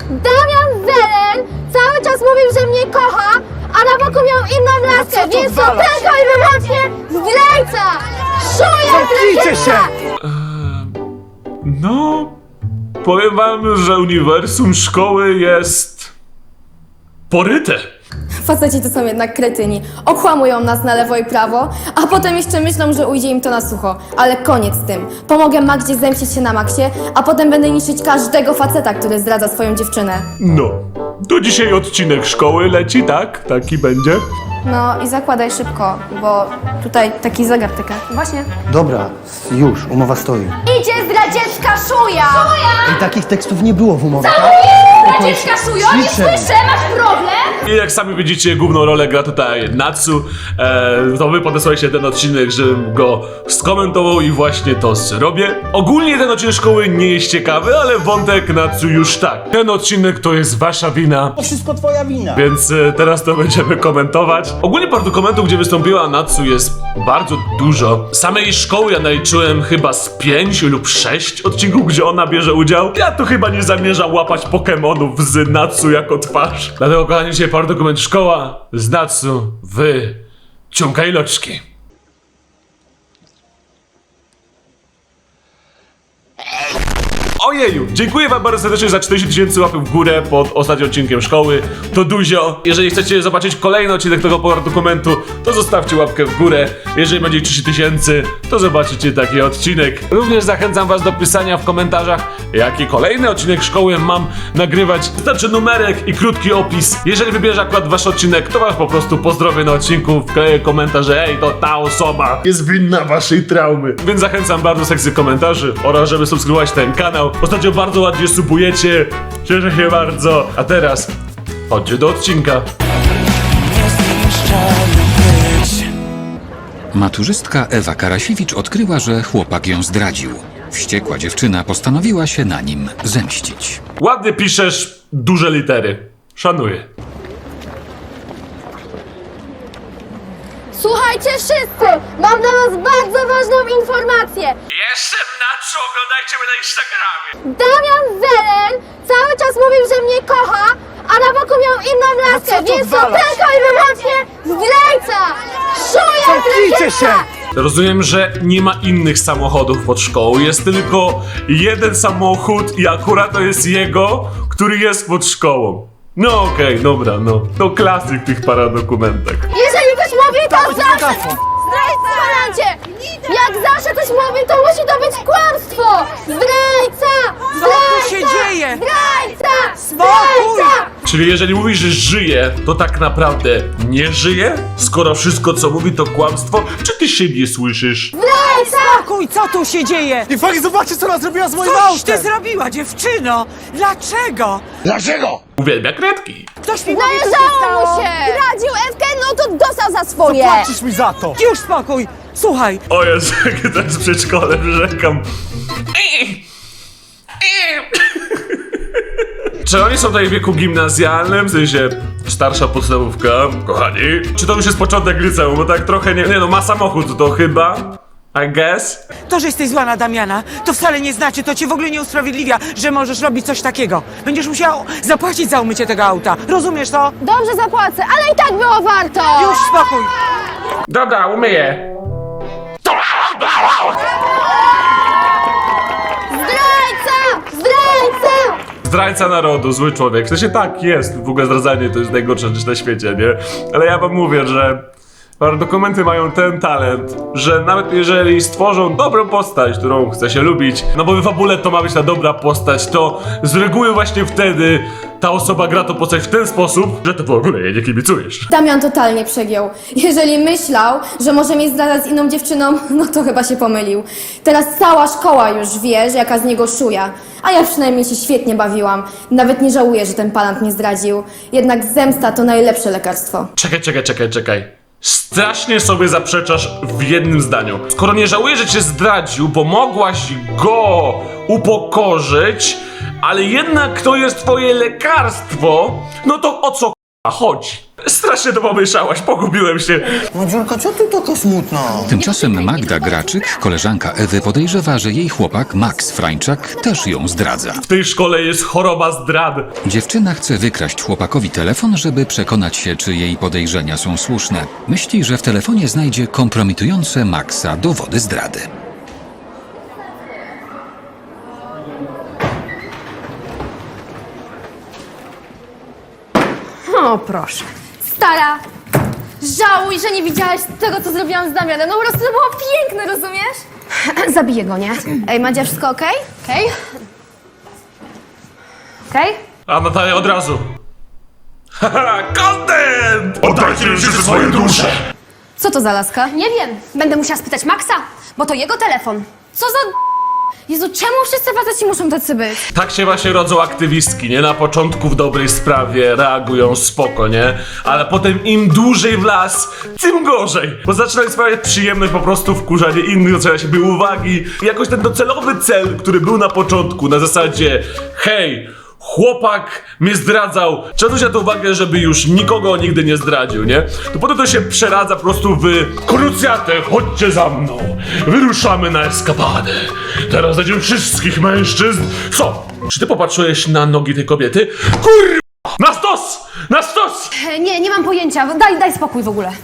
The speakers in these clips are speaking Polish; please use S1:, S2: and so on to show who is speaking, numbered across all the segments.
S1: Damian Zelen cały czas mówił, że mnie kocha, a na boku miał inną laskę, więc to tylko i wyłącznie zdrajca! Szuja
S2: Zamknijcie się!
S3: No, powiem wam, że uniwersum szkoły jest poryte.
S4: Faceci to są jednak kretyni. Okłamują nas na lewo i prawo, a potem jeszcze myślą, że ujdzie im to na sucho. Ale koniec z tym. Pomogę Magdzie zemścić się na Maxie, a potem będę niszczyć każdego faceta, który zdradza swoją dziewczynę.
S3: No, to dzisiaj odcinek szkoły leci, tak? Taki będzie.
S4: No i zakładaj szybko, bo tutaj taki zegar tyka. Właśnie.
S2: Dobra, już, umowa stoi.
S1: Idzie zdradziecka szuja!
S2: I takich tekstów nie było w umowie.
S1: Zdradziecka szuja? Nie słyszę, masz problem?
S3: I jak sami widzicie, główną rolę gra tutaj Natsu. To wy podesłaliście ten odcinek, żebym go skomentował i właśnie to zrobię. Ogólnie ten odcinek szkoły nie jest ciekawy, ale wątek Natsu już tak. Ten odcinek to jest wasza wina.
S2: To wszystko twoja wina.
S3: Więc teraz to będziemy komentować. Ogólnie dokumentów, gdzie wystąpiła Natsu, jest bardzo dużo. Samej szkoły ja naliczyłem chyba z 5 lub 6 odcinków, gdzie ona bierze udział. Ja tu chyba nie zamierzam łapać Pokemonów z Natsu jako twarz. Dlatego, kochani, dzisiaj dokument szkoła z Natsu w ciągaj loczki. Ojeju, dziękuję wam bardzo serdecznie za 40 000 łapek w górę pod ostatnim odcinkiem szkoły. To dużo. Jeżeli chcecie zobaczyć kolejny odcinek tego dokumentu, to zostawcie łapkę w górę. Jeżeli będzie 30 000, to zobaczycie taki odcinek. Również zachęcam was do pisania w komentarzach, jaki kolejny odcinek szkoły mam nagrywać. Wystarczy numerek i krótki opis. Jeżeli wybierze akurat wasz odcinek, to was po prostu pozdrowię na odcinku, wkleję komentarz, że ej, to ta osoba jest winna waszej traumy. Więc zachęcam bardzo do sekcji komentarzy oraz żeby subskrybować ten kanał. Ostatnio bardzo ładnie subujecie, cieszę się bardzo. A teraz chodźcie do odcinka.
S5: Maturzystka Ewa Karasiewicz odkryła, że chłopak ją zdradził. Wściekła dziewczyna postanowiła się na nim zemścić.
S3: Ładnie piszesz duże litery. Szanuję.
S1: Słuchajcie wszyscy, mam dla was bardzo ważną informację.
S3: Jestem Natsu, oglądajcie mnie na Instagramie.
S1: Damian Zelen cały czas mówił, że mnie kocha, a na boku miał inną laskę,
S2: co
S1: więc to
S2: odwalasz?
S1: tylko i wyłącznie zdrajca! Szuja
S2: Zamknijcie się!
S3: Rozumiem, że nie ma innych samochodów pod szkołą. Jest tylko jeden samochód i akurat to jest jego, który jest pod szkołą. No okej, dobra, no. To klasyk w tych paradokumentach.
S1: Jeżeli ktoś mówi, to zawsze...
S2: megafon.
S1: Zdrajca! Jak zawsze ktoś mówi, to musi to być kłamstwo! Zdrajca!
S6: Co tu się dzieje?
S1: Zdrajca!
S6: Spokój!
S1: Zdrajca!
S3: Czyli jeżeli mówisz, że żyje, to tak naprawdę nie żyje? Skoro wszystko co mówi to kłamstwo, czy ty siebie słyszysz?
S1: Zdrajca!
S6: Spokój, co tu się dzieje?
S2: I fakt, zobaczcie, co ona zrobiła z moim
S6: Coś ty
S2: autem!
S6: zrobiła, dziewczyno! Dlaczego?
S3: Uwielbia kredki.
S6: Ktoś mi powie, co się
S1: Należało
S6: stało?
S1: mu się! Zdradził Ewkę, no to dostał za swoje!
S2: Płacisz mi za to!
S6: Już spokój! Słuchaj,
S3: O Jezu, jak to jest w przedszkole, rzekam. Czy oni są tutaj w wieku gimnazjalnym, w sensie starsza podstawówka, kochani? Czy to już jest początek liceum, bo tak trochę nie no, ma samochód to chyba, I guess?
S6: to, że jesteś zła na Damiana, to wcale nie znaczy, to cię w ogóle nie usprawiedliwia, że możesz robić coś takiego. Będziesz musiał zapłacić za umycie tego auta. Rozumiesz to?
S1: Dobrze zapłacę, ale i tak było warto!
S6: Już spokój!
S3: Dobra, umyję.
S1: Zdrajca! Zdrajca!
S3: Zdrajca narodu, zły człowiek. W sensie tak, jest. W ogóle zdradzanie to jest najgorsza rzecz na świecie, nie? Ale ja wam mówię, że dokumenty mają ten talent, że nawet jeżeli stworzą dobrą postać, którą chce się lubić, no bo w fabule to ma być ta dobra postać, to z reguły właśnie wtedy ta osoba gra tą postać w ten sposób, że to w ogóle jej nie kibicujesz.
S4: Damian totalnie przegiął. Jeżeli myślał, że może mnie zdradzać z inną dziewczyną, no to chyba się pomylił. Teraz cała szkoła już wie, że jaka z niego szuja. A ja przynajmniej się świetnie bawiłam. Nawet nie żałuję, że ten palant mnie zdradził. Jednak zemsta to najlepsze lekarstwo.
S3: Czekaj. Strasznie sobie zaprzeczasz w jednym zdaniu. Skoro nie żałujesz, że cię zdradził, bo mogłaś go upokorzyć, ale jednak to jest twoje lekarstwo, no to o co chodzi? Strasznie to pomyślałaś, pogubiłem się.
S2: Madzionka, co ty taka smutna?
S5: Tymczasem Magda Graczyk, koleżanka Ewy, podejrzewa, że jej chłopak Max Frańczak też ją zdradza.
S3: W tej szkole jest choroba zdrady.
S5: Dziewczyna chce wykraść chłopakowi telefon, żeby przekonać się, czy jej podejrzenia są słuszne. Myśli, że w telefonie znajdzie kompromitujące Maxa dowody zdrady.
S1: O, proszę.
S4: Stara, żałuj, że nie widziałaś tego, co zrobiłam z Damianem. No po prostu to było piękne, rozumiesz?
S1: Zabiję go, nie?
S4: Ej, Madzia, wszystko okej?
S1: Okej? Okej?
S3: A Natalia od razu. Haha, content! Oddajcie mi wszyscy swoje dusze!
S4: Co to za laska?
S1: Nie wiem. Będę musiała spytać Maxa, bo to jego telefon.
S4: Co za... Jezu, czemu wszyscy faceci muszą tacy być?
S3: Tak się właśnie rodzą aktywistki, nie? Na początku w dobrej sprawie reagują spoko, nie? Ale potem im dłużej w las, tym gorzej. Bo zaczynają sprawiać przyjemność po prostu wkurzanie innych, docenia siebie uwagi. I jakoś ten docelowy cel, który był na początku, na zasadzie hej, chłopak mnie zdradzał, trzeba się na to uwagę, żeby już nikogo nigdy nie zdradził, nie? To potem to się przeradza po prostu w krucjatę, chodźcie za mną, wyruszamy na eskapadę. Teraz znajdziemy wszystkich mężczyzn. Co? Czy ty popatrzyłeś na nogi tej kobiety? Kurwa! Na stos! Na stos!
S1: Nie mam pojęcia. Daj spokój w ogóle.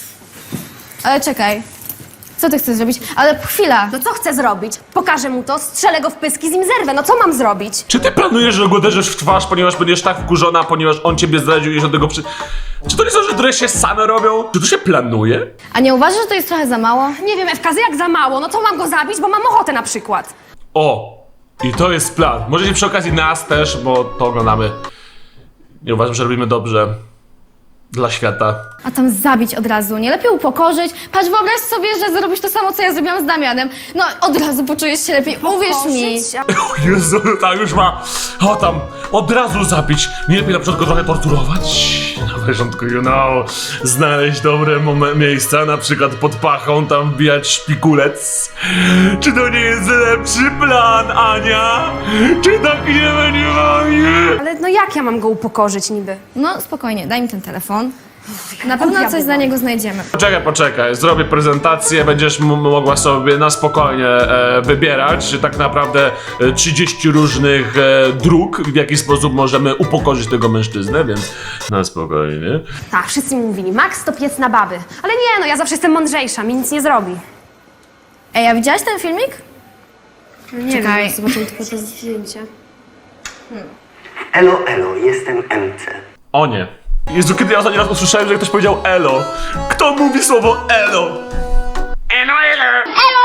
S4: Ale czekaj, co ty chcesz zrobić? Ale chwila.
S1: No co chcę zrobić? Pokażę mu to, strzelę go w pyski, z nim zerwę. No co mam zrobić?
S3: Czy ty planujesz, że go uderzysz w twarz, ponieważ będziesz tak wkurzona, ponieważ on ciebie zdradził i że tego Czy to nie są rzeczy, które się same robią? Czy to się planuje?
S4: A nie uważasz, że to jest trochę za mało?
S1: Nie wiem, Ewka, jak za mało. No to mam go zabić, bo mam ochotę na przykład.
S3: O! I to jest plan. Możecie przy okazji nas też, bo to oglądamy. Nie uważam, że robimy dobrze. Dla świata.
S4: A tam zabić od razu, nie? Lepiej upokorzyć. Patrz, wyobraź sobie, że zrobisz to samo, co ja zrobiłam z Damianem. No, od razu poczujesz się lepiej, uwierz mi.
S3: O Jezu, ta już ma... O tam, od razu zabić. Nie lepiej na początku trochę torturować? Na początku, znaleźć dobre miejsca, na przykład pod pachą tam wbijać szpikulec. Czy to nie jest lepszy plan, Ania? Czy tak nie będzie fajnie?
S1: Ale no jak ja mam go upokorzyć niby?
S4: No, spokojnie, daj mi ten telefon. Na pewno coś dla niego znajdziemy.
S3: Poczekaj, zrobię prezentację, będziesz mogła sobie na spokojnie wybierać tak naprawdę 30 różnych dróg, w jaki sposób możemy upokorzyć tego mężczyznę, więc na spokojnie.
S1: Tak, wszyscy mi mówili, Max to piec na baby. Ale nie, no ja zawsze jestem mądrzejsza, mi nic nie zrobi.
S4: Ej, a widziałaś ten filmik?
S1: Nie
S4: Czekaj.
S1: wiem, zobaczymy tylko to zdjęcie.
S7: Elo, elo, jestem MC.
S3: O nie. Jezu, kiedy ja ostatni raz usłyszałem, że ktoś powiedział elo? Kto mówi słowo elo? Elo, elo!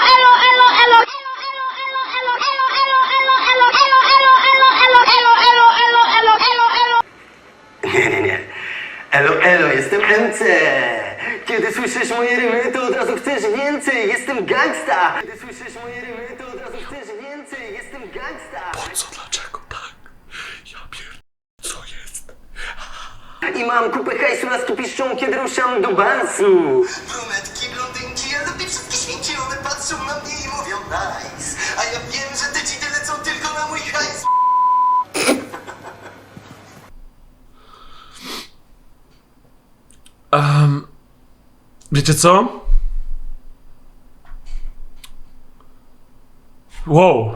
S7: Nie. Elo, elo, jestem MC. Kiedy słyszysz moje rymy, to od razu chcesz więcej. Jestem gangsta. Kiedy słyszysz moje rymy, to od razu chcesz więcej. Jestem gangsta.
S3: Co, dlaczego tak? Ja co jest?
S7: I mam kupę hajsu, laski piszczą, kiedy ruszam do bansu. Brunetki, blondynki, ja lubię wszystkie świnki. One patrzą na mnie i mówią nice. A ja wiem, że te dzidy lecą tylko na mój hajs.
S3: Wiecie co? Wow.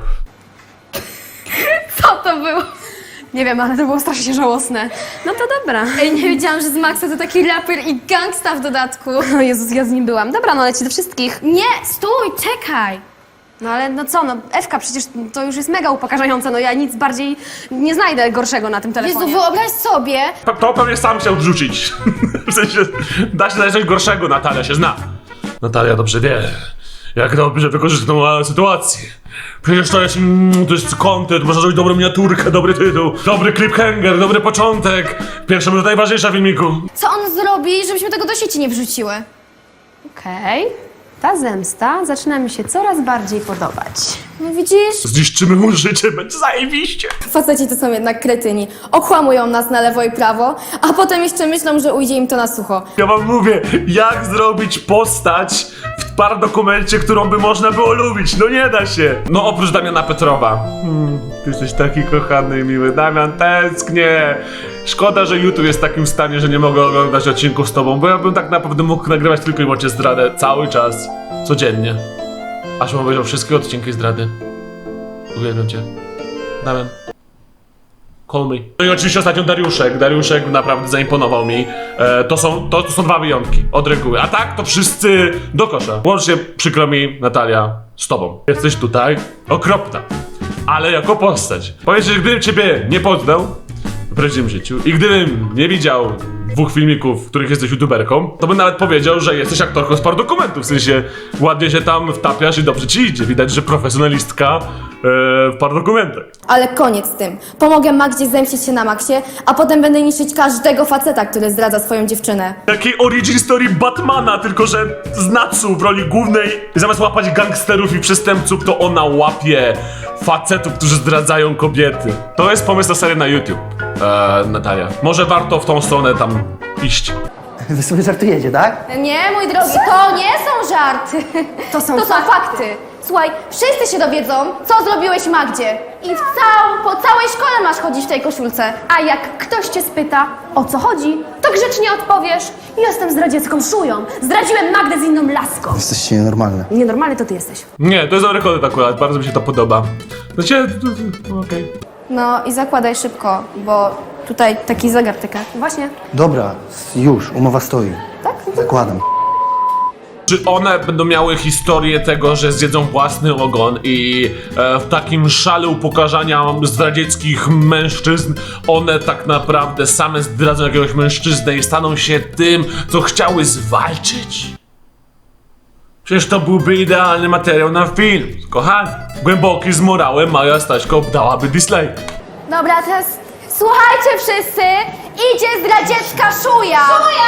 S4: Co to było?
S1: Nie wiem, ale to było strasznie żałosne. No to dobra.
S4: Ej, nie wiedziałam, że z Maxa to taki raper i gangsta w dodatku.
S1: O Jezus, ja z nim byłam. Dobra, no leci do wszystkich.
S4: Nie, stój, czekaj.
S1: No ale no co, no Ewka, przecież to już jest mega upokarzające. No ja nic bardziej nie znajdę gorszego na tym telefonie.
S4: Jezu, wyobraź sobie.
S3: To pewnie sam chciał odrzucić. W sensie, da się znaleźć coś gorszego, Natalia się zna. Natalia dobrze wie, jak dobrze wykorzystać tą sytuację. Przecież to jest content, można zrobić dobrą miniaturkę, dobry tytuł, dobry cliffhanger, dobry początek. Pierwsza minuta najważniejsza w filmiku.
S4: Co on zrobi, żebyśmy tego do sieci nie wrzuciły?
S1: Okej. Ta zemsta zaczyna mi się coraz bardziej podobać.
S4: No widzisz?
S3: Zniszczymy mu życie, będzie zajebiście.
S4: Faceci to są jednak kretyni. Okłamują nas na lewo i prawo, a potem jeszcze myślą, że ujdzie im to na sucho.
S3: Ja wam mówię, jak zrobić postać w paradokumencie, którą by można było lubić. No nie da się. No oprócz Damiana Petrowa. Ty jesteś taki kochany i miły. Damian, tęsknię. Szkoda, że YouTube jest w takim stanie, że nie mogę oglądać odcinków z tobą, bo ja bym tak naprawdę mógł nagrywać tylko i wyłącznie zdradę cały czas, codziennie. Aż bym obejrzał wszystkie odcinki zdrady. Uwielbiam cię. Damian. Call me. No i oczywiście ostatnio Dariuszek. Dariuszek naprawdę zaimponował mi. To są dwa wyjątki od reguły. A tak to wszyscy do kosza. Łącznie przykro mi, Natalia, z tobą. Jesteś tutaj okropna. Ale jako postać. Powiedz, że gdybym ciebie nie poznał w prawdziwym życiu i gdybym nie widział 2 filmików, w których jesteś youtuberką, to bym nawet powiedział, że jesteś aktorką z paradokumentu. W sensie ładnie się tam wtapiasz i dobrze ci idzie. Widać, że profesjonalistka w paradokumentach.
S4: Ale koniec z tym. Pomogę Magdzie zemścić się na Maxie, a potem będę niszczyć każdego faceta, który zdradza swoją dziewczynę.
S3: Takiej origin story Batmana, tylko że z Natsu w roli głównej. Zamiast łapać gangsterów i przestępców, to ona łapie facetów, którzy zdradzają kobiety. To jest pomysł na serię na YouTube, Natalia. Może warto w tą stronę tam iść.
S2: Wy sobie żartujecie, tak?
S4: Nie, mój drogi, to nie są żarty. To są fakty. Słuchaj, wszyscy się dowiedzą, co zrobiłeś Magdzie. I po całej szkole masz chodzić w tej koszulce.
S1: A jak ktoś cię spyta, o co chodzi, to grzecznie odpowiesz: jestem zdradziecką szują. Zdradziłem Magdę z inną laską.
S2: Jesteście nienormalne.
S1: Nienormalny to ty jesteś.
S3: Nie, to jest dobry kontent akurat, bardzo mi się to podoba. Znaczy, okej.
S4: No i zakładaj szybko, bo tutaj taki zegar tyka.
S1: Właśnie.
S2: Dobra, już, umowa stoi.
S4: Tak?
S2: Zakładam.
S3: Czy one będą miały historię tego, że zjedzą własny ogon i w takim szale upokarzania zdradzieckich mężczyzn one tak naprawdę same zdradzą jakiegoś mężczyznę i staną się tym, co chciały zwalczyć? Przecież to byłby idealny materiał na film. Kochani, głęboki z morałem Maja Staśko dałaby dislike.
S1: Dobra, teraz słuchajcie wszyscy, idzie zdradziecka szuja.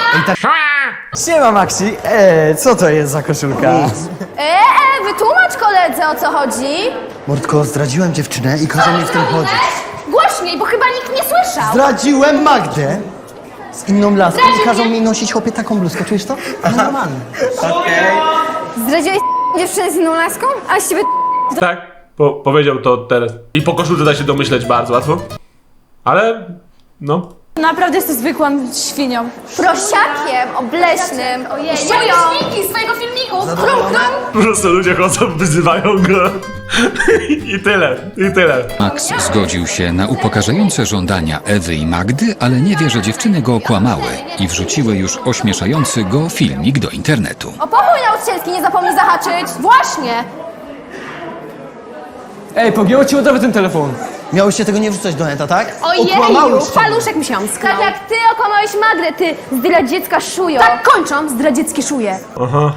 S8: Siema Maxi, co to jest za koszulka?
S1: Wytłumacz koledze, o co chodzi.
S2: Mordko, zdradziłem dziewczynę i kazał mi w tym chodzić.
S1: Głośniej, bo chyba nikt nie słyszał.
S2: Zdradziłem Magdę z inną laską i kazał mi nosić chłopie taką bluzkę, czujesz to? Normalne.
S4: Zdradziłeś dziewczynę z inną laską? A z ciebie
S3: Tak, powiedział to teraz. I po koszulce da się domyśleć bardzo łatwo. Ale, no.
S9: Naprawdę jesteś zwykłą świnią.
S1: Prosiakiem obleśnym. Ojej, szują. Z twojego filmiku.
S3: Po prostu ludzie chodzą, wyzywają go. I tyle.
S5: Max zgodził się na upokarzające żądania Ewy i Magdy, ale nie wie, że dziewczyny go okłamały i wrzuciły już ośmieszający go filmik do internetu.
S1: O pokój nauczycielski nie zapomnij zahaczyć. Właśnie.
S8: Ej, pogięło ci ładowy ten telefon.
S2: Miałyście tego nie wrzucać do neta, tak?
S1: Ojeju,
S2: Okłamałyście mnie.
S1: paluszek mi się omsknął. Tak jak ty okłamałeś Magdę, ty zdradziecka szujo. Tak kończą zdradzieckie szuje.
S3: Aha.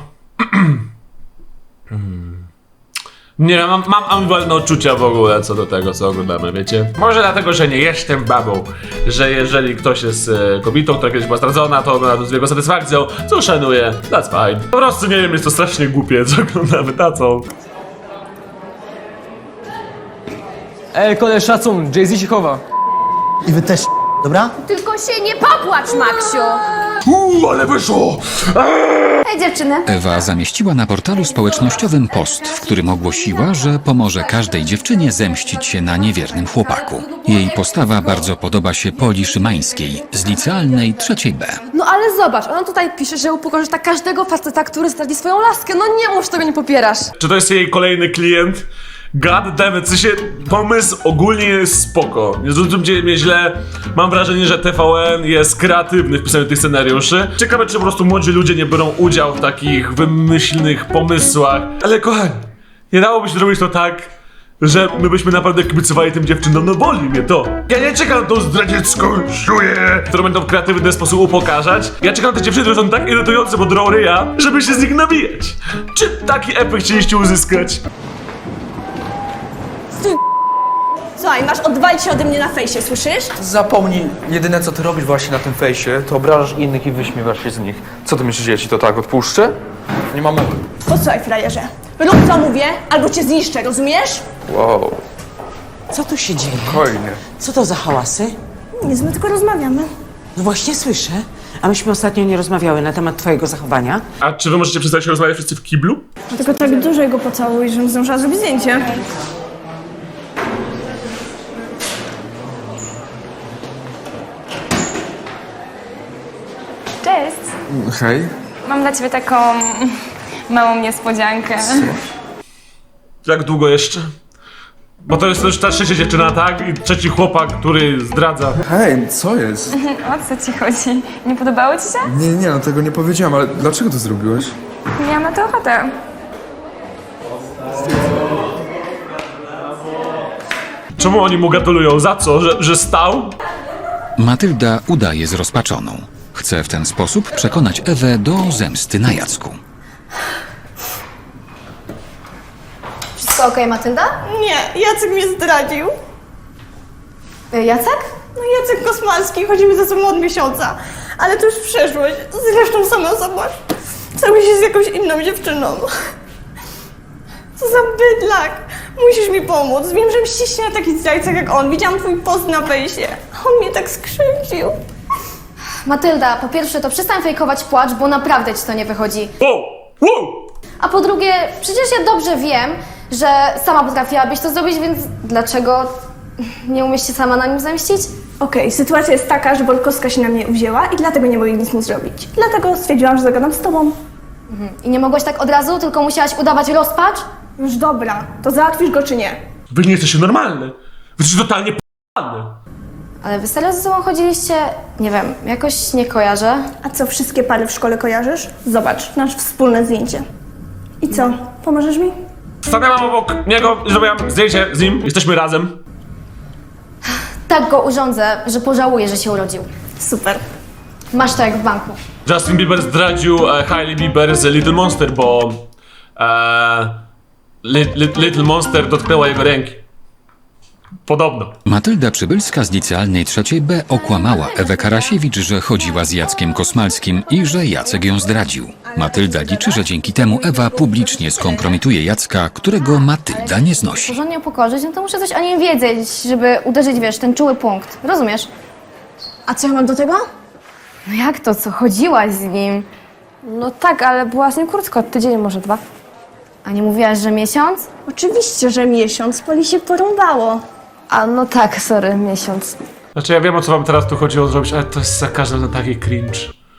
S3: Nie wiem, mam ambiwalne odczucia w ogóle co do tego, co oglądamy, wiecie? Może dlatego, że nie jestem babą, że jeżeli ktoś jest kobietą, która kiedyś była zdradzona, to ogląda to z wielką satysfakcją, co szanuję, that's fine. Po prostu nie wiem, jest to strasznie głupie, co oglądamy, tacą.
S8: Ej, koleś, szacun, Jay-Z się chowa.
S2: I wy też, dobra?
S1: Tylko się nie popłacz, Maksiu.
S3: Ale wyszło!
S1: Hej dziewczyny.
S5: Ewa zamieściła na portalu społecznościowym post, w którym ogłosiła, że pomoże każdej dziewczynie zemścić się na niewiernym chłopaku. Jej postawa bardzo podoba się Poli Szymańskiej z licealnej 3B.
S9: No ale zobacz, ona tutaj pisze, że upokorzysz tak każdego faceta, który zdradzi swoją laskę. No nie mów, że tego nie popierasz.
S3: Czy to jest jej kolejny klient? God damn it, w sensie pomysł ogólnie jest spoko. Nie zrozumcie mnie źle, mam wrażenie, że TVN jest kreatywny w pisaniu tych scenariuszy. Ciekawe, czy po prostu młodzi ludzie nie biorą udziału w takich wymyślnych pomysłach. Ale kochani, nie dałoby się zrobić to tak, że my byśmy naprawdę kibicowali tym dziewczynom, no boli mnie to. Ja nie czekam na tą zdradziecką szuję, którą będą w kreatywny sposób upokarzać. Ja czekam na te dziewczyny, które są tak irytujące, bo drą ryja, żeby się z nich nabijać. Czy taki efekt chcieliście uzyskać?
S9: Słuchaj, masz odwalić się ode mnie na fejsie, słyszysz?
S10: Zapomnij, jedyne co ty robisz właśnie na tym fejsie, to obrażasz innych i wyśmiewasz się z nich. Co ty myślisz, że ja ci to tak odpuszczę? Nie mam mowy.
S9: Posłuchaj, frajerze. Rób co mówię, albo cię zniszczę, rozumiesz?
S10: Wow,
S6: Co tu się dzieje?
S10: spokojnie.
S6: Co to za hałasy?
S9: Nic, my tylko rozmawiamy.
S6: No właśnie słyszę. A myśmy ostatnio nie rozmawiały na temat twojego zachowania.
S3: A czy wy możecie przestać się rozmawiać wszyscy w kiblu?
S9: Tylko tak dużo go pocałuj, żebym zdążyła zrobić zdjęcie.
S11: Cześć!
S10: Hej.
S11: Mam dla ciebie taką małą niespodziankę.
S3: Jak długo jeszcze? Bo to jest też ta trzecia dziewczyna, tak? I trzeci chłopak, który zdradza.
S10: Hej, co jest?
S11: O co ci chodzi? Nie podobało ci się?
S10: Nie, no tego nie powiedziałam, ale dlaczego to zrobiłaś?
S11: Miałam na to ochotę.
S3: Czemu oni mu gratulują? Za co? Że stał?
S5: Matylda udaje zrozpaczoną. Chce w ten sposób przekonać Ewę do zemsty na Jacku.
S4: Wszystko okej, Matylda?
S9: Nie, Jacek mnie zdradził.
S4: Jacek?
S9: No Jacek Kosmalski, chodzimy ze sobą od miesiąca. Ale to już przeszłość. Zresztą sama zobacz. Cały się z jakąś inną dziewczyną. Co za bydlak. Musisz mi pomóc. Wiem, że mścisz się na takich zdrajcach jak on. Widziałam twój post na fejsie. On mnie tak skrzywdził.
S4: Matylda, po pierwsze to przestań fejkować płacz, bo naprawdę ci to nie wychodzi.
S3: Wow! Wow!
S4: A po drugie, przecież ja dobrze wiem, że sama potrafiłabyś to zrobić, więc dlaczego nie umiesz się sama na nim zemścić?
S9: Okej, sytuacja jest taka, że Bolkowska się na mnie uwzięła i dlatego nie mogę nic mu zrobić. Dlatego stwierdziłam, że zagadam z tobą.
S4: I nie mogłaś tak od razu, tylko musiałaś udawać rozpacz?
S9: Już dobra, to załatwisz go czy nie?
S3: Wy nie jesteście normalne. Wy jesteście totalnie p***ane.
S4: Ale wy serio ze sobą chodziliście? Nie wiem, jakoś nie kojarzę.
S9: A co, wszystkie pary w szkole kojarzysz? Zobacz, nasze wspólne zdjęcie. I co, pomożesz mi?
S3: Stanęłam obok niego i zrobiłam zdjęcie z nim. Jesteśmy razem.
S4: Tak go urządzę, że pożałuję, że się urodził.
S9: Super.
S4: Masz to jak w banku.
S3: Justin Bieber zdradził Hailey Bieber z Little Monster, bo Little Monster dotknęła jego ręki. Podobno.
S5: Matylda Przybylska z licealnej 3B okłamała Ewę Karasiewicz, że chodziła z Jackiem Kosmalskim i że Jacek ją zdradził. Matylda liczy, że dzięki temu Ewa publicznie skompromituje Jacka, którego Matylda nie znosi.
S4: Porządnie upokorzyć, no to muszę coś o nim wiedzieć, żeby uderzyć, wiesz, ten czuły punkt. Rozumiesz?
S9: A co ja mam do tego?
S4: No jak to, co? Chodziłaś z nim?
S9: No tak, ale była z nim krótko, tydzień, może 2.
S4: A nie mówiłaś, że miesiąc?
S9: Oczywiście, że miesiąc, Poli się porąbało.
S4: A no tak, sorry, miesiąc.
S3: Znaczy ja wiem, o co wam teraz tu chodziło zrobić, ale to jest za każdym razem taki cringe.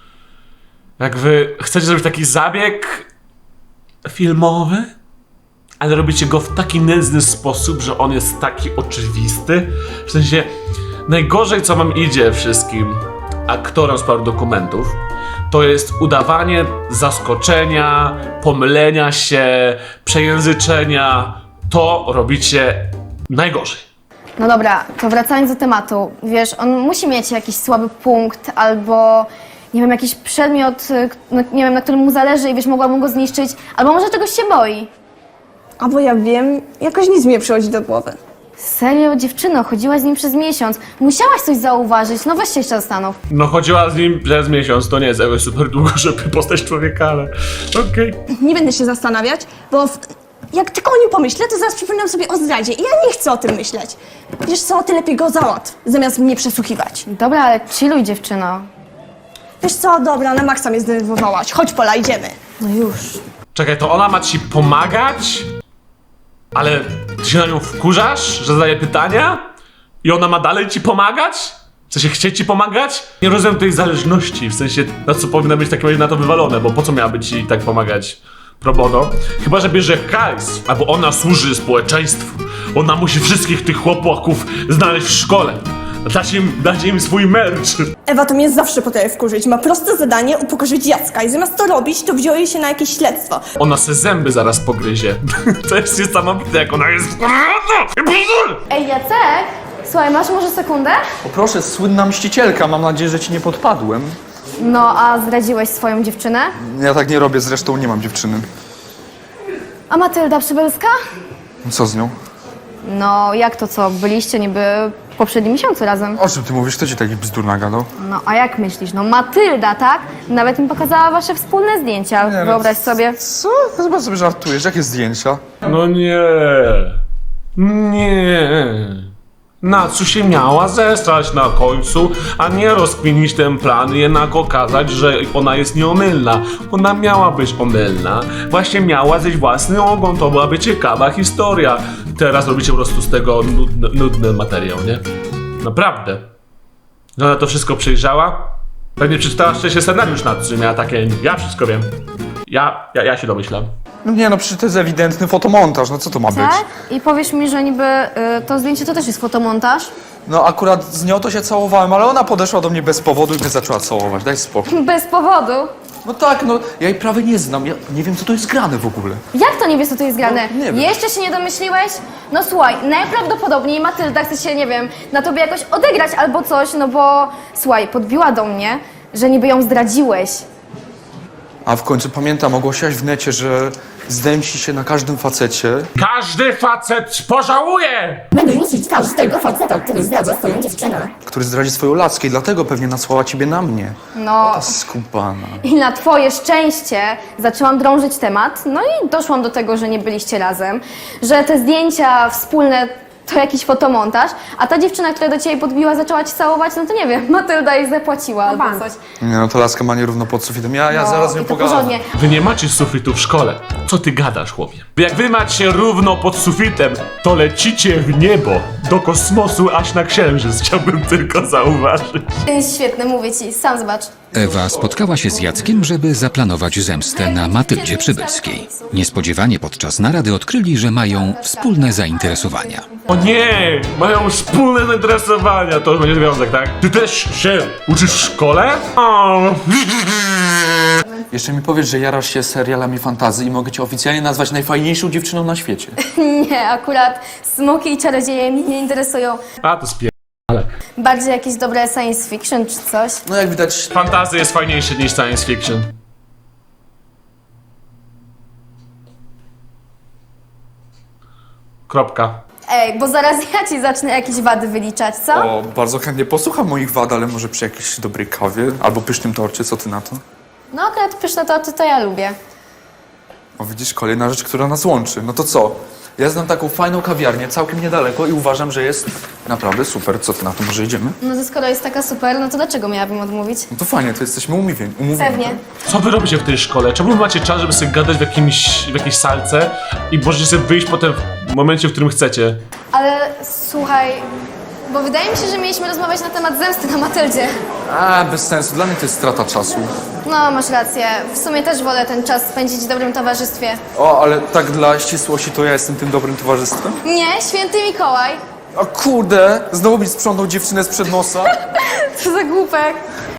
S3: Jak wy chcecie zrobić taki zabieg filmowy, ale robicie go w taki nędzny sposób, że on jest taki oczywisty. W sensie, najgorzej co wam idzie wszystkim aktorom z paru dokumentów, to jest udawanie zaskoczenia, pomylenia się, przejęzyczenia. To robicie najgorzej.
S4: No dobra, to wracając do tematu. Wiesz, on musi mieć jakiś słaby punkt albo, nie wiem, jakiś przedmiot, nie wiem, na którym mu zależy i wiesz, mogłabym go zniszczyć, albo może czegoś się boi.
S9: A bo ja wiem, jakoś nic mi nie przychodzi do głowy.
S4: Serio, dziewczyno, chodziłaś z nim przez miesiąc. Musiałaś coś zauważyć, no weź się jeszcze zastanów.
S3: No chodziła z nim przez miesiąc, to nie jest jakoś super długo, żeby poznać człowieka, ale okej.
S9: Nie będę się zastanawiać, bo jak tylko o nim pomyślę, to zaraz przypominam sobie o zdradzie i ja nie chcę o tym myśleć. Wiesz co, ty lepiej go załatw, zamiast mnie przesłuchiwać.
S4: Dobra, ale chilluj, dziewczyno.
S9: Wiesz co, dobra, na maksa mnie zdenerwowałaś. Chodź, Pola, idziemy.
S4: No już.
S3: Czekaj, to ona ma ci pomagać? Ale ty się na nią wkurzasz, że zadaje pytania? I ona ma dalej ci pomagać? W sensie chce ci pomagać? Nie rozumiem tej zależności, w sensie na co powinna być w takim razie na to wywalone, bo po co miałaby ci tak pomagać pro bono? Chyba, że bierze hajs, albo ona służy społeczeństwu. Ona musi wszystkich tych chłopaków znaleźć w szkole. Dać im swój merch.
S9: Ewa to mnie zawsze potrafi wkurzyć. Ma proste zadanie upokorzyć Jacka i zamiast to robić, to wzięło jej się na jakieś śledztwo.
S3: Ona se zęby zaraz pogryzie. To jest niesamowite, jak ona jest...
S4: Ej, Jacek, słuchaj, masz może sekundę?
S10: O proszę, słynna mścicielka, mam nadzieję, że ci nie podpadłem.
S4: No, a zdradziłeś swoją dziewczynę?
S10: Ja tak nie robię, zresztą nie mam dziewczyny.
S4: A Matylda Przybylska?
S10: Co z nią?
S4: No, jak to co? Byliście niby w poprzednim miesiącu razem.
S10: O czym ty mówisz? Kto ci taki bzdur nagadał?
S4: No, a jak myślisz? No, Matylda, tak? Nawet mi pokazała wasze wspólne zdjęcia.
S10: Nie, no,
S4: Wyobraź sobie.
S10: Co? Chyba sobie żartujesz. Jakie zdjęcia?
S3: No nie. Nie. Na co się miała zestrać na końcu, a nie rozkminić ten plan i jednak okazać, że ona jest nieomylna. Ona miała być omylna. Właśnie miała zejść własny ogon, to byłaby ciekawa historia. Teraz robicie po prostu z tego nudny materiał, nie? Naprawdę. Że ona to wszystko przejrzała? Pewnie przeczytała wcześniej scenariusz nad czym miała takie, ja wszystko wiem. Ja się domyślam.
S10: No nie no, przecież to jest ewidentny fotomontaż, no co to ma być?
S4: Tak? I powiesz mi, że niby to zdjęcie to też jest fotomontaż?
S10: No akurat z nią to się całowałem, ale ona podeszła do mnie bez powodu i mnie zaczęła całować, daj spokój.
S4: Bez powodu.
S10: No tak, no ja jej prawie nie znam, ja nie wiem co to jest grane w ogóle.
S4: Jak to nie wiesz, co tu jest grane?
S10: No, nie wiem.
S4: Jeszcze się nie domyśliłeś? No słuchaj, najprawdopodobniej Matylda chce się, nie wiem, na tobie jakoś odegrać albo coś, no bo słuchaj, podbiła do mnie, że niby ją zdradziłeś.
S10: A w końcu pamiętam, ogłosiłaś w necie, że zdemści się na każdym facecie.
S3: Każdy facet pożałuje!
S1: Będę niszczyć każdego faceta, który zdradza swoją dziewczynę.
S10: Który zdradzi swoją laskę i dlatego pewnie nasłała ciebie na mnie.
S4: No
S10: Skubana.
S4: i na twoje szczęście zaczęłam drążyć temat, no i doszłam do tego, że nie byliście razem, że te zdjęcia wspólne to jakiś fotomontaż, a ta dziewczyna, która do ciebie podbiła, zaczęła ci całować, no to nie wiem, Matylda jej zapłaciła albo coś.
S10: Nie no, to laska ma nierówno pod sufitem. Ja
S4: No,
S10: zaraz z nią
S4: i to
S10: pogadam.
S4: porządnie.
S3: Wy nie macie sufitu w szkole. Co ty gadasz, chłopie? Jak wy macie równo pod sufitem, to lecicie w niebo, do kosmosu, aż na księżyc. Chciałbym tylko zauważyć.
S4: To jest świetne, mówię ci, sam zobacz.
S5: Ewa spotkała się z Jackiem, żeby zaplanować zemstę na Matyldzie Przybylskiej. Niespodziewanie podczas narady odkryli, że mają wspólne zainteresowania.
S3: O nie! Mają wspólne zainteresowania. To już będzie związek, tak? Ty też się uczysz w szkole? O.
S10: Jeszcze mi powiesz, że jarasz się serialami fantasy i mogę cię oficjalnie nazwać najfajniejszą dziewczyną na świecie.
S4: Nie, akurat smoki i czarodzieje mnie nie interesują.
S3: A to ale
S4: Bardziej jakieś dobre science fiction czy coś.
S10: No jak widać,
S3: fantasy jest fajniejsze niż science fiction. Kropka.
S4: Ej, bo zaraz ja ci zacznę jakieś wady wyliczać, co?
S10: o, bardzo chętnie posłucham moich wad, ale może przy jakiejś dobrej kawie albo pysznym torcie, co ty na to?
S4: No akurat pyszne torty to ja lubię.
S10: O, widzisz, kolejna rzecz, która nas łączy. No to co? Ja znam taką fajną kawiarnię całkiem niedaleko i uważam, że jest naprawdę super. Co ty na to? Może idziemy?
S4: No to skoro jest taka super, no to dlaczego miałabym odmówić?
S10: No to fajnie, to jesteśmy umówieni.
S4: Pewnie.
S3: Co wy robicie w tej szkole? Czemu wy macie czas, żeby sobie gadać w jakiejś salce i możecie sobie wyjść potem w momencie, w którym chcecie?
S4: Ale słuchaj, bo wydaje mi się, że mieliśmy rozmawiać na temat zemsty na Matyldzie.
S10: A, bez sensu. Dla mnie to jest strata czasu.
S4: No, masz rację. W sumie też wolę ten czas spędzić w dobrym towarzystwie.
S10: O, ale tak dla ścisłości to ja jestem tym dobrym towarzystwem?
S4: Nie, święty Mikołaj.
S10: A kurde, znowu mi sprzątnął dziewczynę sprzed nosa.
S4: Co za głupek.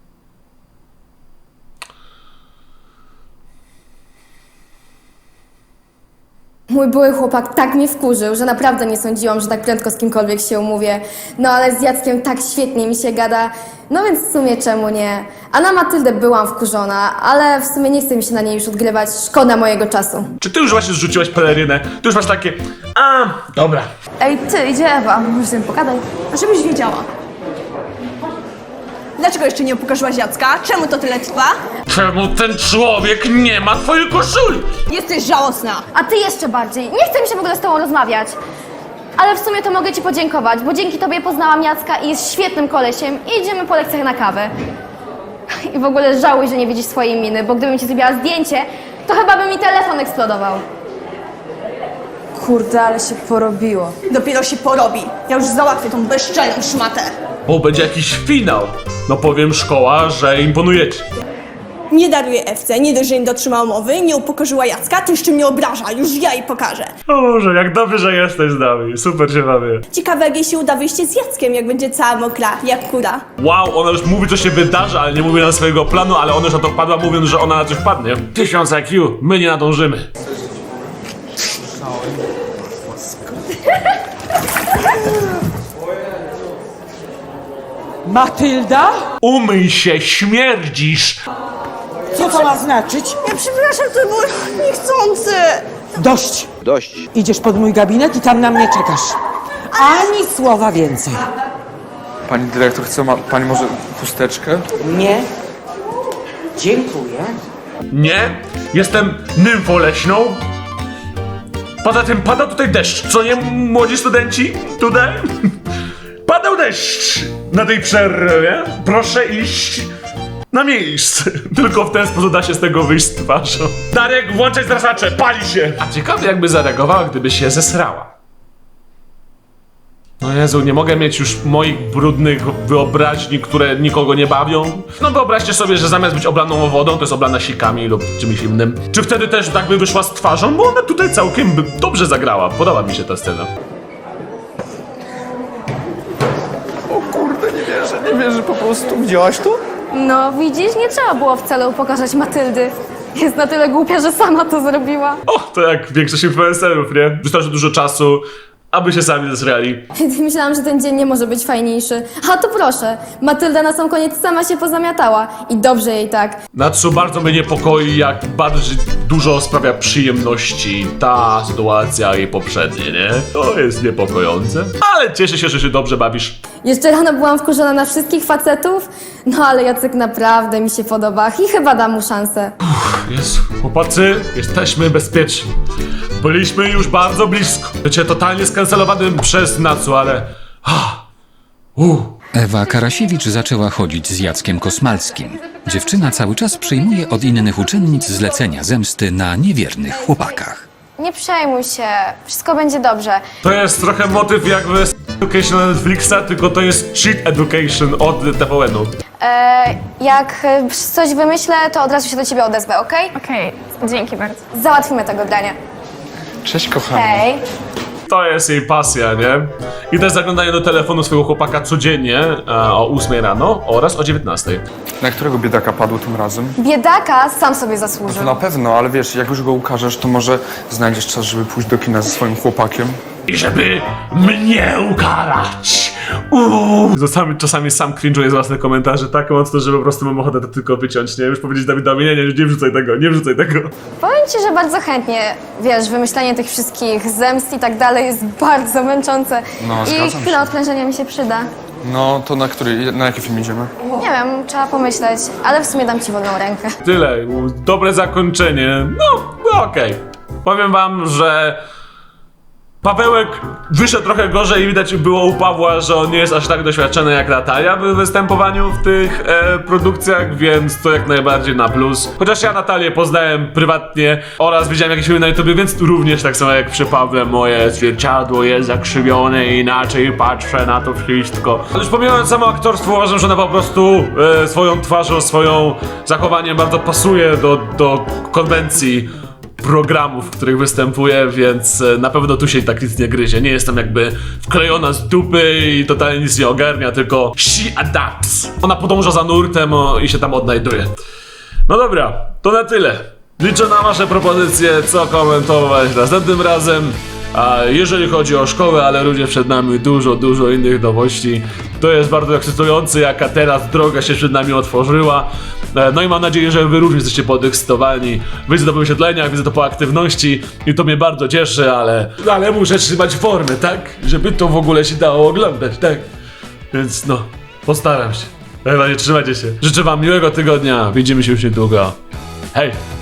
S4: Mój były chłopak tak mnie wkurzył, że naprawdę nie sądziłam, że tak prędko z kimkolwiek się umówię. No ale z Jackiem tak świetnie mi się gada, no więc w sumie czemu nie? A na Matyldę byłam wkurzona, ale w sumie nie chce mi się na niej już odgrywać, szkoda mojego czasu.
S3: Czy ty już właśnie zrzuciłaś pelerynę? Ty już masz takie... A, dobra.
S4: Ej, ty, idzie Ewa, może z tym pogadaj.
S9: A żebyś wiedziała. Dlaczego jeszcze nie upokorzyłaś Jacka? Czemu to tyle trwa?
S3: Czemu ten człowiek nie ma twojej koszuli?
S9: Jesteś żałosna.
S4: A ty jeszcze bardziej. Nie chce mi się w ogóle z tobą rozmawiać. Ale w sumie to mogę ci podziękować, bo dzięki tobie poznałam Jacka i jest świetnym kolesiem i idziemy po lekcjach na kawę. I w ogóle żałuj, że nie widzisz swojej miny, bo gdybym ci zrobiła zdjęcie, to chyba by mi telefon eksplodował.
S11: Kurde, ale się porobiło.
S9: Dopiero się porobi. Ja już załatwię tą bezczelną szmatę.
S3: O, będzie jakiś finał. No powiem szkoła, że imponujecie.
S9: Nie daruję Ewce, nie dość, że nie dotrzymała umowy, nie upokorzyła Jacka, to jeszcze mnie obraża. Już ja jej pokażę.
S3: O Boże, jak dobrze, że jesteś z nami. Super się bawię.
S9: Ciekawe, jak jej się uda wyjście z Jackiem, jak będzie cała mokra, jak kura.
S3: Wow, ona już mówi, co się wydarzy, ale nie mówi na swojego planu, ale ona już na to wpadła, mówiąc, że ona na coś wpadnie. 1000 IQ, my nie nadążymy.
S6: Matylda?
S3: Umyj się, śmierdzisz!
S6: Co to ma znaczyć?
S9: Ja przepraszam, to było niechcący.
S6: Dość. Idziesz pod mój gabinet i tam na mnie czekasz. Ani słowa więcej.
S10: Pani dyrektor, ma pani może chusteczkę?
S6: Nie. Dziękuję.
S3: Nie, jestem nymfą leśną. Poza tym pada tutaj deszcz, co nie, młodzi studenci? Tutaj? Padał deszcz na tej przerwie. Proszę iść na miejsce. Tylko w ten sposób da się z tego wyjść z twarzą. Darek, włączaj zrasacze, pali się! A ciekawe jakby zareagowała, gdyby się zesrała. No Jezu, nie mogę mieć już moich brudnych wyobraźni, które nikogo nie bawią. No wyobraźcie sobie, że zamiast być oblaną wodą, to jest oblana sikami lub czymś innym. Czy wtedy też tak by wyszła z twarzą? Bo ona tutaj całkiem dobrze zagrała. Podoba mi się ta scena.
S8: O kurde, nie wierzę po prostu. Widziałaś to?
S4: No widzisz, nie trzeba było wcale upokarzać Matyldy. Jest na tyle głupia, że sama to zrobiła.
S3: O, to jak większość influencerów, nie? Wystarczy dużo czasu, aby się sami zesrali.
S4: Myślałam, że ten dzień nie może być fajniejszy. A to proszę, Matylda na sam koniec sama się pozamiatała. I dobrze jej tak.
S3: Natsu, bardzo mnie niepokoi, jak bardzo dużo sprawia przyjemności ta sytuacja i poprzednie, nie? To jest niepokojące. Ale cieszę się, że się dobrze bawisz.
S4: Jeszcze rano byłam wkurzona na wszystkich facetów, no ale Jacek naprawdę mi się podoba i chyba dam mu szansę.
S3: Jezu, chłopacy, jesteśmy bezpieczni. Byliśmy już bardzo blisko. Bycie totalnie skancelowanym przez Natsu, ale...
S5: Ewa Karasiewicz zaczęła chodzić z Jackiem Kosmalskim. Dziewczyna cały czas przyjmuje od innych uczennic zlecenia zemsty na niewiernych chłopakach.
S1: Nie przejmuj się, wszystko będzie dobrze.
S3: To jest trochę motyw jakby z Education na Netflixa, tylko to jest Cheat Education od TVN-u.
S1: Jak coś wymyślę, to od razu się do ciebie odezwę, okej?
S11: Okej, dzięki bardzo.
S1: Załatwimy tego grania.
S10: Cześć, kochani.
S1: Hej.
S3: To jest jej pasja, nie? I też zaglądanie do telefonu swojego chłopaka codziennie o 8 rano oraz o 19.
S10: Na którego biedaka padło tym razem?
S1: Biedaka sam sobie zasłużył.
S10: To na pewno, ale wiesz, jak już go ukażesz, to może znajdziesz czas, żeby pójść do kina ze swoim chłopakiem.
S3: I żeby mnie ukarać! Czasami sam cringe'uję z własnych komentarzy tak mocno, że po prostu mam ochotę to tylko wyciąć, nie? Już powiedzieć Dawidowi, nie wrzucaj tego, nie wrzucaj tego.
S1: Powiem ci, że bardzo chętnie, wiesz, wymyślanie tych wszystkich zemst i tak dalej jest bardzo męczące.
S10: No,
S1: I
S10: zgadzam
S1: chwila
S10: się.
S1: odprężenia mi się przyda.
S10: No, to na jaki film idziemy?
S1: Nie wiem, trzeba pomyśleć, ale w sumie dam ci wolną rękę.
S3: Tyle, dobre zakończenie. No okej. Powiem wam, że Pawełek wyszedł trochę gorzej i widać było u Pawła, że on nie jest aż tak doświadczony jak Natalia w występowaniu w tych produkcjach, więc to jak najbardziej na plus. Chociaż ja Natalię poznałem prywatnie oraz widziałem jakieś filmy na YouTubie, więc również tak samo jak przy Pawle moje zwierciadło jest zakrzywione i inaczej patrzę na to wszystko. Ale już pomijając samo aktorstwo, uważam, że ona po prostu swoją twarzą, swoją zachowaniem bardzo pasuje do konwencji programów, w których występuje, więc na pewno tu się tak nic nie gryzie. Nie jestem jakby wklejona z dupy i totalnie nic nie ogarnia, tylko she adapts. Ona podąża za nurtem i się tam odnajduje. No dobra, to na tyle. Liczę na wasze propozycje, co komentować następnym razem. A jeżeli chodzi o szkołę, ale również przed nami dużo innych nowości. To jest bardzo ekscytujące, jaka teraz droga się przed nami otworzyła. No i mam nadzieję, że wy również jesteście podekscytowani. Widzę to po wyświetleniach, widzę to po aktywności i to mnie bardzo cieszy, ale muszę trzymać formy, tak? Żeby to w ogóle się dało oglądać, tak? Więc no, postaram się. Trzymajcie się. Życzę wam miłego tygodnia. Widzimy się już niedługo. Hej!